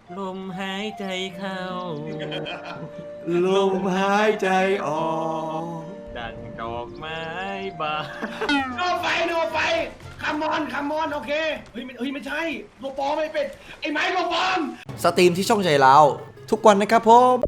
ลมหายใจเข้าลมหายใจออกดังดอกไม้บานโนไฟคัมอน โอเค เฮ้ย ไม่ใช่ตัวปลอมไม่เป็น ไอ้ไม้ตัวปลอมสตรีมที่ช่องใจเราทุกวันนะครับผม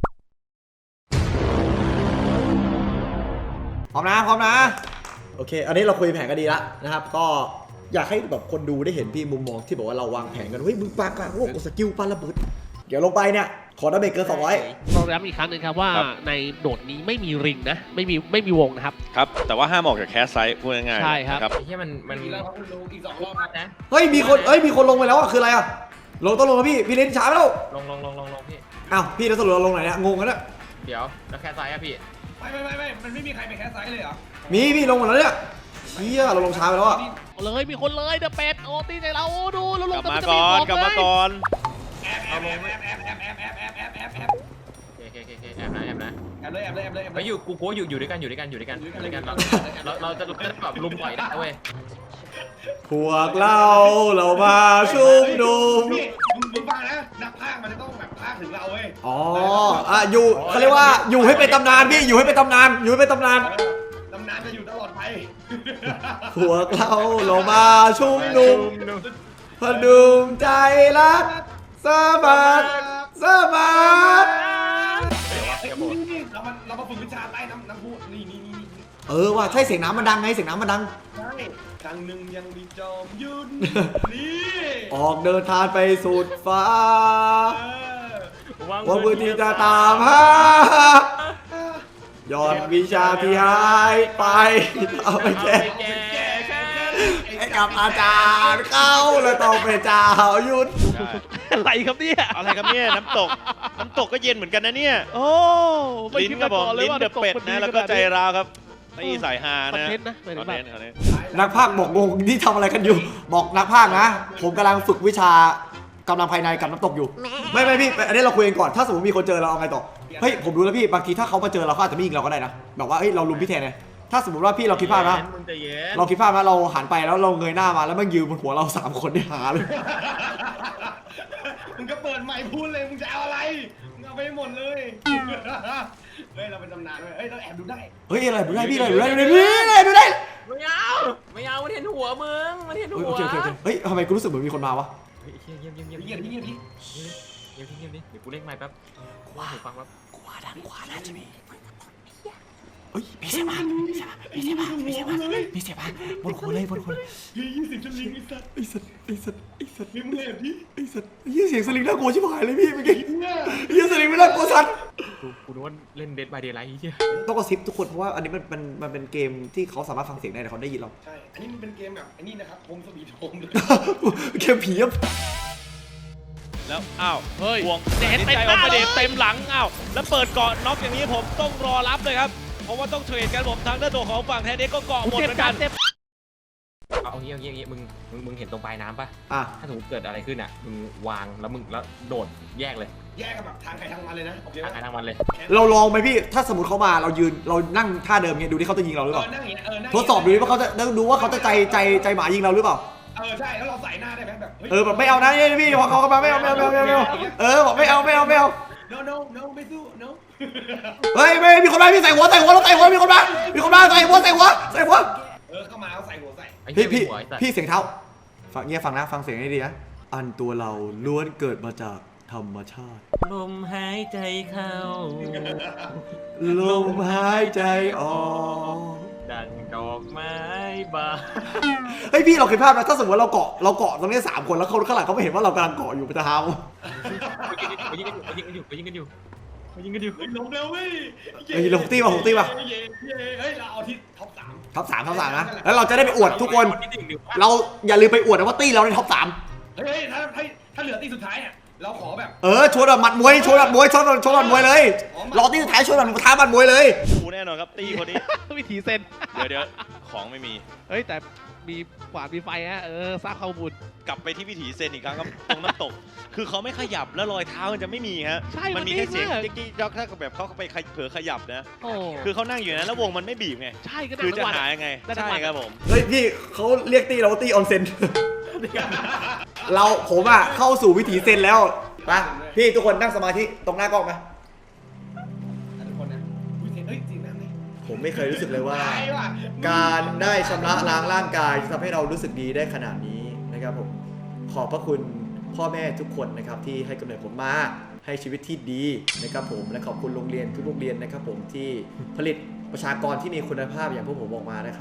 พร้อมนะโอเคอันนี้เราคุยแผนกันดีแล้วนะครับก็อยากให้แบบคนดูได้เห็นพี่มุมมองที่บอกว่าเราวางแผนกันเฮ้ยมึงปากโอ้โหสกิลปาระเบิดเดี๋ยวลงไปเนี่ยขอดาเมจเกิน200 ต้องย้ำอีกครั้งหนึ่งครับว่าในโดดนี้ไม่มีริงนะไม่มีวงนะครับครับแต่ว่าห้ามออกจากแคสไซต์พูดง่ายๆใช่ครับนะไอ้เหี้ยมันมีแล้วครับคุณลุงอีก2 รอบนะเฮ้ยมีคนลงไปแล้วอ่ะคืออะไรอ่ะต้องลงแล้วพี่เล่นช้าไปแล้วลงพี่อ้าวพี่แล้วสรุปเราลงไหนเนี่ยงงกันแล้วเดี๋ยวแล้วแค่ซ้ายอะพี่ไม่ มันไม่มีใครไปแคสไซส์เลยเหรอมีพี่ลงหมดแล้วเนี่ยเชี่ยเราลงช้าไปแล้วอ่ะเลยมีคนเลยเดอะเป็ดโอ้ตีใจเราโอ้ดูแล้วลกงลับแต่มามันจะก่มีอนของกลับมาเลยก่อนแอบโอเคแอบนะแอบเลยไปอยู่กูอยู่ด้วยกันเราจะแบบลุมต่อยได้เว้ยพวกเรามาชุมนุมพี่มึงฟังนะ นักพากย์มันจะต้องแบบพากย์ถึงเราเว้ยอ๋ออยู่เขาเรียกว่าอยู่ให้เป็นตำนานพี่อยู่ให้เป็นตำนานตำนานจะอยู่ตลอดไปพวกเรามาชุมนุมพดุงใจรักสมัครนี่เรามาฝึกวิชาใต้น้ำพุนี่ว่าใช่เสียงน้ำมันดังไงเสียงน้ำมันดังใช่ครั้งหนึ่งยังมีจอมยุทธนี่ออกเดินทางไปสุดฟ้าหวังว่าพื้นที่จะตามหายอดวิชาที่หายไปเอาไปแก้ให้กับอาจารย์เข้าแล้วต้องเป็นเจ้ายุทธอะไรครับเนี่ยอะไรครับเนี่ยน้ำตกก็เย็นเหมือนกันนะเนี่ยโอ้ไม่ลิ้นคิดก็มาบอกก่อนเลยลิ้นว่าเดอะเป็ดนะแล้วก็ใจราวครับตีสายฮาคอนนะเทนต์นะหมายถึงแบบคอนเทนต์นักพากย์บอกงงที่ทำอะไรกันอยู่ บอกนักพากย์นะ ผมกำลังฝึกวิชากำลังภายในกับน้ำตกอยู่ ไม่พี่อันนี้เราคุยกันก่อนถ้าสมมติมีคนเจอเราเอาไงต่อเฮ้ยผมรู้แล้วพี่บางทีถ้าเขามาเจอเราเขาอาจจะไม่ยิงเราก็ได้นะแบบว่าเฮ้ยเราลุมพี่แทนไงถ้าสมมติว่าพี่เราคิดภาพนะมึงใจเย็นเราคิดภาพนะเราหันไปแล้วเราเงยหน้ามาแล้วมันยืนบนหัวเรา3 คนที่หาเลยมึงก็เปิดไมค์พูดเลยมึงจะเอาอะไรมึงเอาไปหมดเลยเฮ้ยเราเป็นตำนานเว้ยเฮ้ยเราแอบดูได้เฮ้ยอะไรดูได้พี่อะไรดูได้ดูได้ไม่เอามันเห็นหัวมึงมันเห็นหัวโอเคเฮ้ยทำไมกูรู้สึกเหมือนมีคนมาวะเงียบดิเดี๋ยวกูเล่นไมค์แป๊บกูว่าหูฟังแป๊บกูว่าด้านขวาน่าจะมีเฮ้ยมีเสียงมาบนคนเลย 20 สลิงไอ้สัตว์ไอ้สัตว์มีมึงแอบดิเสียงสลิงน่ากลัวชิบหายเลยพี่เมื่อกี้เนี่ยสลิงไม่น่ากลัวสัตว์กูนึกว่าเล่นเดดบายเดย์ไลท์เหี้ยต้องกระซิบทุกคนเพราะว่าอันนี้มันเป็นเกมที่เขาสามารถฟังเสียงได้แต่เขาได้ยินเราใช่อันนี้มันเป็นเกมแบบไอ้นี่นะครับโฮมสวีทโฮมเลยเกมผีอะแล้วอ้าวเฮ้ยห่วงเด็ดตัดสินเต็มใจหออน้ากมาเลเดยทเต็มหลังอ้าวแล้วเปิดเกาะน็อกอย่างนี้ผมต้องรอรับเลยครับเพราะว่าต้องเทรดกันผมทางด้านตัวของฝั่งแทนเด็กก็เกาะหมดเจ็เหบมือนกักัน นเจ็บเอางี้มึงเห็นตรงปลายน้ำป่ะอ่ะถ้าสมมติเกิดอะไรขึ้นอ่ะมึงวางแล้วโดดแยกเลยแยกกันแบบทางใครทางมันเลยนะโอเคทางใครทางมันเลยเราลองไหมพี่ถ้าสมมติเขามาเรายืนเรานั่งท่าเดิมเงี้ยดูที่เขาจะยิงเราหรือเปล่านั่งอย่างเงี้ยนั่งทดสอบดูดิว่าเขาจะดูว่าเขาจะใจหมายิงเราหรือเปล่าใช่แล้วเราใส่หน้าได้ไหมแบบแบบไม่เอานะพี่พอเขามาไม่เอาบอกไม่เอา no ไม่สู้ no เฮ้ยไม่มีคนมาพี่ใส่หัวมีคนมาใส่หัวเข้ามาเอาใส่หัวใส่พี่เสียงเท้าฟังเงียบฟังนะฟังเสียงให้ดีนะอันตัวเราล้วนเกิดมาจากธรรมชาติลมหายใจเข้าลมหายใจออกดังดอกไม้บานเฮ้ยพี่เราเคยภาพนะถ้าสมมติเราเกาะตรงนี้3 คนแล้วคนข้างหลังเขาไม่เห็นว่าเรากำลังเกาะอยู่เป็นทหารยิงกันอยู่ลงเร็วเว้ยเฮ้ยเราตีป่ะเฮ้ยเราเอาที่ท็อป 3 ท็อป 3นะแล้วเราจะได้ไปอวดทุกคนเราอย่าลืมไปอวดนะว่าตีเราในท็อป 3 เฮ้ยถ้าเหลือตีสุดท้ายเนี่ยเราขอแบบชวนแบบหมัดมวยชวนหมัดมวยเลยรอตีสุดท้ายชวนแบบท้าหมัดมวยเลยกูแน่นอนครับตีคนนี้วิถีเซนเดี๋ยวของไม่มีเฮ้ยแต่มีขวานมีไฟฮะสร้างข้อมูลกลับไปที่วิถีเซนอีกครั้งครับตรงน้ำตก คือเขาไม่ขยับแล้วรอยเท้ามันจะไม่มีฮะใช่มันมีแค่เสียงมันนิ่งมากจิ๊กจ๊อกถ้าแบบเขาไปเผลอขยับนะโอ้คือเขานั่งอยู่นะแล้ววงมันไม่บีบไงใช่ก็ได้คือจะทั้งวันหายังไงได้ทั้งใช่วันครับผมเฮ้ยพี่เขาเรียกตีเราว่าตีออนเซน ผมเข้าสู่วิถีเซนแล้วไปพี่ทุกคนนั่งสมาธิตรงหน้ากล้องไหมทุกคนนะเฮ้ยจริงนะเนี่ยผมไม่เคยรู้สึกเลยว่าตายว่ะการได้ชำระล้างร่างกายทำให้เรารู้สึกดีได้ขนาดนี้นะครับผมขอบพระคุณพ่อแม่ทุกคนนะครับที่ให้กำเนิดผมมาให้ชีวิตที่ดีนะครับผมและขอบคุณโรงเรียนทุกโรงเรียนนะครับผมที่ผลิตประชากรที่มีคุณภาพอย่างพวกผมออกมานะครับ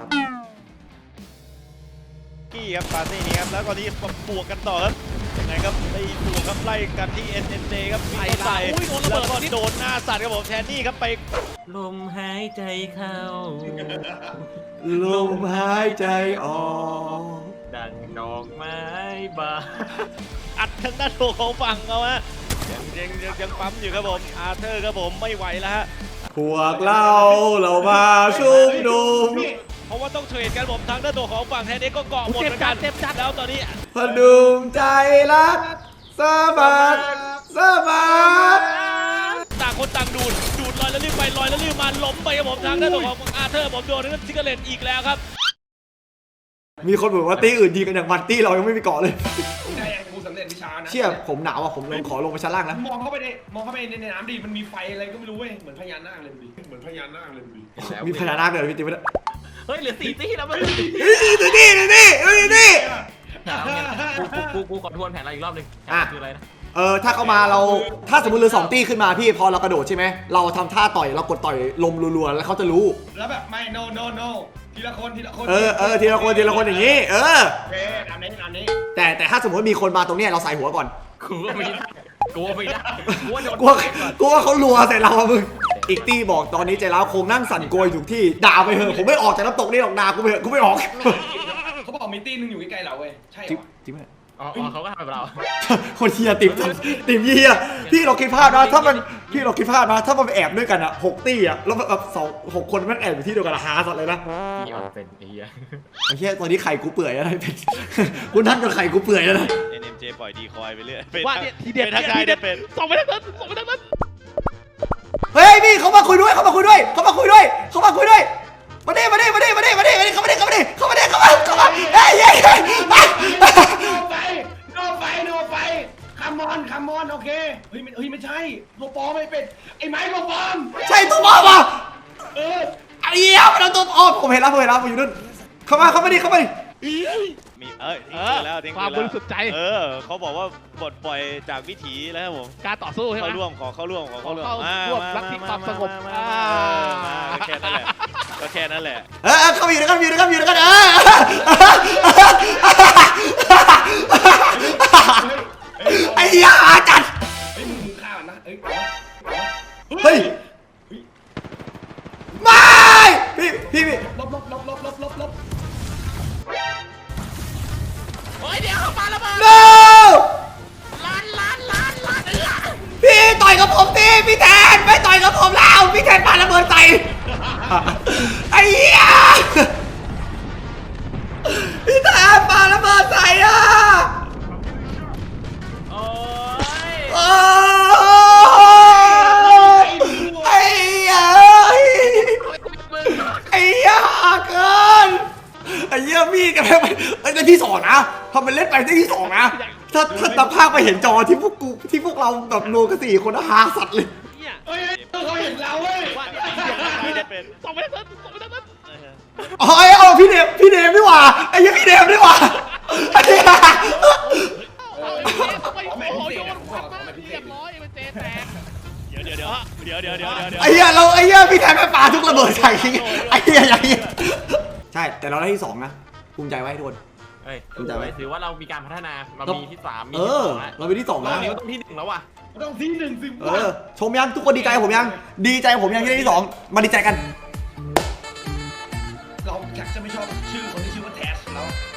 กี้ครับปาร์ตี้นี้ครับแล้วก็นี้บวกกันต่อครับยังไงครับไอ้บวกครับไล่กันที่ NNJ ครับไล่ใส่แล้วก็โดนหน้าสัตว์ครับผมแทนนี่ครับไปลมหายใจเข้าลมหายใจออกดังดอกไม้บานอัดทางด้านโถของฝั่งเขาฮะยังปั๊มอยู่ครับผมอาร์เธอร์ครับผมไม่ไหวแล้วฮะพวกเรามาชุมนุมเพราะว่าต้องเทรดกันผมทางด้านโถของฝั่งแทนนี่ก็เกาะหมดเหมือนกันแล้วตอนนี้พดุงใจรักสะบัดสะบัดต่างคนต่างดูดลอยแล้วรีบไปลอยแล้วรีบมาล้มไปครับผมทางด้านโถของอาร์เธอร์ผมโดนนั่นซิกเกอร์เลตอีกแล้วครับมีคนบอกว่าตีอื่นดีกันอย่างมันตีเรายังไม่มีเกาะเลยได้ยังกูสำเร็จวิชานะเชี่ยผมหนาวอ่ะผมลงขอลงไปชั้นล่างนะมองเข้าไปในน้ำดิมันมีไฟอะไรก็ไม่รู้เว้ยเหมือนพญานาคเลยดูดิเหมือนพญานาคเลยดูดิมีพญานาคเลยพี่ติ๊กไม่ได้เฮ้ยเหลือ4 ตี้แล้วมันนี่กูขอทวนแผนเราอีกรอบนึงคืออะไรนะถ้าเข้ามาเราถ้าสมมติเรือ2ตีขึ้นมาพี่พอเรากระโดดใช่ไหมเราทำท่าต่อยเรากดต่อยลมรัวๆแล้วเขาจะรู้แล้วแบบไม่ no ทีละคนทีละคนทีละคนอย่างนี้โอเคตามนี้แต่ถ้าสมมติมีคนมาตรงเนี้ยเราใส่หัวก่อนกูว่าไม่ได้กูว่าโดนกลัวเขารัวใส่เราอะมึงอีกตี้บอกตอนนี้ใจร้าวคงนั่งสั่นโกยอยู่ที่ด่าไปเถอะผมไม่ออกจากน้ำตกนี่หรอกด่ากูไปเถอะกูไม่ออกเขาบอกมีตีนึงอยู่ใกล้ๆเราเว้ยใช่จริงปะจริงไหมอ๋อเขาก็ทำแบบเราคนเฮียติมเฮียพี่เราคิดภาพนะถ้ามันพี่เราคิดภาพนะถ้ามันไปแอบด้วยกันอะ6 ตี้อะแล้วแบบ6 คนมันแอบอยู่ที่เดียวกันหาสัตว์เลยนะพี่ออกเป็นไอ้เหี้ยไอ้เฮียตอนนี้ไข่กูเปื่อยแล้วนะเป็นกูนั่งจนไข่กูเปื่อยแล้วนะ NMJ ปล่อยดีคอยไปเรื่อยว่าเนี่ยทีเด็ดทักทายเป็นส่งไปทางนั้นเฮ้ยพี่เขามาคุยด้วยมาดิเข้ามาเฮ้ยโนไฟคัมอนโอเคเฮ้ยไม่ใช่ตัวปลอมไม่เป็นไอ้ไม้ตัวปลอมใช่ตัวปลอมอ่ะไอ้เหี้ยมันเอาตัวปลอมผมเห็นแล้วผมอยู่นู่นเข้ามาดิมีแล้วทิ้งความบริสุทธิ์ใจเขาบอกว่าปลดปล่อยจากวิถีแล้วครับผมการต่อสู้ใช่ไหมเข้าร่วมรักที่ความสงบแค่นั้นแหละก็แค่นั้นแหละเข้ามาอยู่ด้วยกันไอ้ยาจัดเฮ้ยมึงฆ่ามันนะเฮ้ยไม่พี่ลบเฮ้ยเดี๋ยวเขาปาระเบิด no ล้านพี่ต่อยกับผมดิพี่แทนไม่ต่อยกับผมแล้วพี่แทนปาระเบิดใส่ไอ้เหี้ยพี่แทนปาระเบิดใส่อ่ะโอ้ยไอ้เหี้ยไอ้เหี้ยเกินไอ้เหี้ยพี่กันได้ที่2นะทำเป็นเล่นไปได้ที่2นะถ้าตามภาพไปเห็นจอที่พวกเราแบบโนกัน4 คนหาสัตว์เลยเนี่ยเฮ้ยเขาเห็นเราเว้ยว่าเนี่ยทีเด็ดส่งไปทางนั้นเอาพี่เดมดีกว่าไอ้เหี้ยพี่เดมดีกว่าไอ้เหี้ยโอ้โหโยนควันมากเรียบร้อยมันเจแตกเดี๋ยวไอ้เหี้ยพี่แทนไปปาทุกระเบิดใส่ไอ้เหี้ยใช่แต่เราได้ที่2นะภูมิใจไว้ทุกคนเฮ้ยรู้จักไหมถือว่าเรามีการพัฒนาเรามีที่3มีเราเป็นที่2 รอนะบนี้ต้องที่1แล้วว่ะต้องที่1สิชมยังทุกคนดีใจผมยังที่ได้ที่2มาดีใจกันเราอยากจะไม่ชอบชื่อคนที่ชื่อว่าแทสแล้ว